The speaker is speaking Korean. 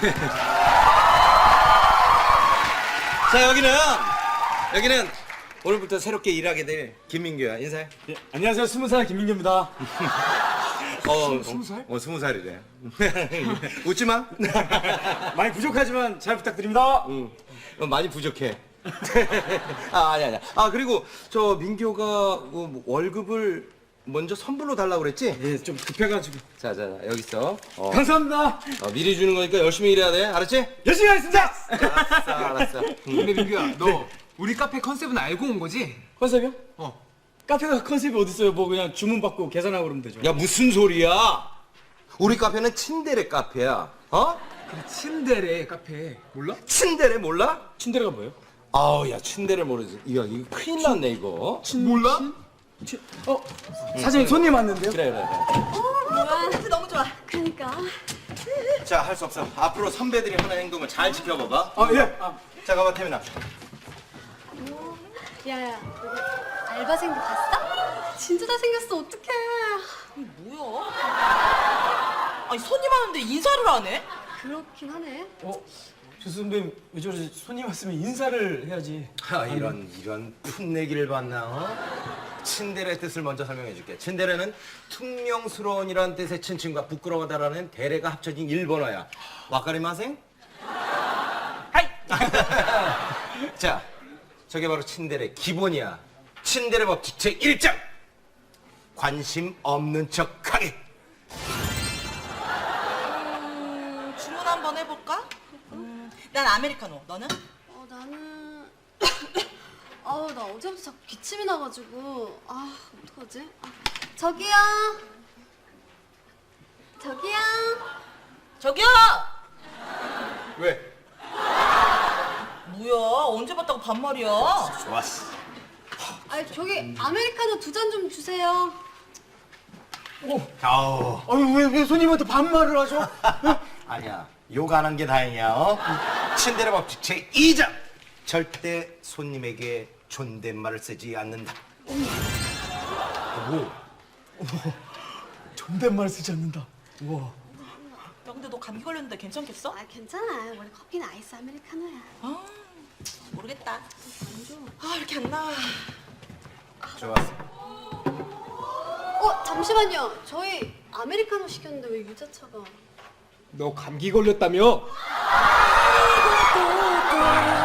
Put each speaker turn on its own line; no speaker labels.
자, 여기는 오늘부터 새롭게 일하게 될 김민규야. 인사해.
예, 안녕하세요. 20살 김민규입니다.
20살? 20살이래. 웃지 마.
많이 부족하지만 잘 부탁드립니다.
많이 부족해. 아니야. 그리고 저 민규가 그 월급을 먼저 선불로 달라고 그랬지?
예, 좀 급해가지고.
자, 여기 있어.
감사합니다.
미리 주는 거니까 열심히 일해야 돼. 알았지?
열심히 하겠습니다.
알았어.
근데 민규야, 너 우리 카페 컨셉은 알고 온 거지?
컨셉이요? 카페가 컨셉이 어딨어요? 뭐 그냥 주문 받고 계산하고 그러면 되죠.
야, 무슨 소리야? 우리 카페는 친데레 카페야. 어?
그래, 침대래 카페. 몰라?
친데레 몰라?
침대가 뭐예요?
아우, 야, 친데레 모르지. 이거 큰일 났네, 이거.
몰라?
사장님 손님 왔는데요?
그래.
뭐야, 냄새 너무 좋아. 그러니까.
자, 할 수 없어. 앞으로 선배들이 하는 행동을 잘 지켜봐봐.
예.
자, 가봐, 태민아.
야야, 알바생도 봤어? 진짜 잘생겼어. 어떡해.
뭐야? 아니 손님 하는데 인사를 안 해?
그렇긴 하네.
조 선배님 왜 저러지? 손님 왔으면 인사를 해야지.
이런 풋내기를 봤나, 어? 친데레 뜻을 먼저 설명해 줄게. 친데레는 퉁명스러운이라는 뜻의 친친과 부끄러워하다라는 데레가 합쳐진 일본어야. 와카리마생?
하이!
자, 저게 바로 친데레 기본이야. 친데레 법칙 제1장. 관심 없는 척하기.
주문 한번 해볼까? 난 아메리카노. 너는?
나는. 나 어제부터 자꾸 기침이 나가지고. 어떡하지? 저기요.
저기요!
왜?
뭐야? 언제 봤다고 반말이야?
좋았어.
저기 아메리카노 2잔 좀 주세요.
아우.
왜 손님한테 반말을 하죠?
아니야. 욕 안 한 게 다행이야. 어? 친데레 법칙 제2장. 절대 손님에게 존댓말을 쓰지 않는다. 뭐?
존댓말 쓰지 않는다. 우와.
야 근데 너 감기 걸렸는데 괜찮겠어?
괜찮아. 원래 커피는 아이스 아메리카노야.
모르겠다. 이렇게 안 나와.
좋았어.
잠시만요. 저희 아메리카노 시켰는데 왜 유자차가?
너 감기 걸렸다며?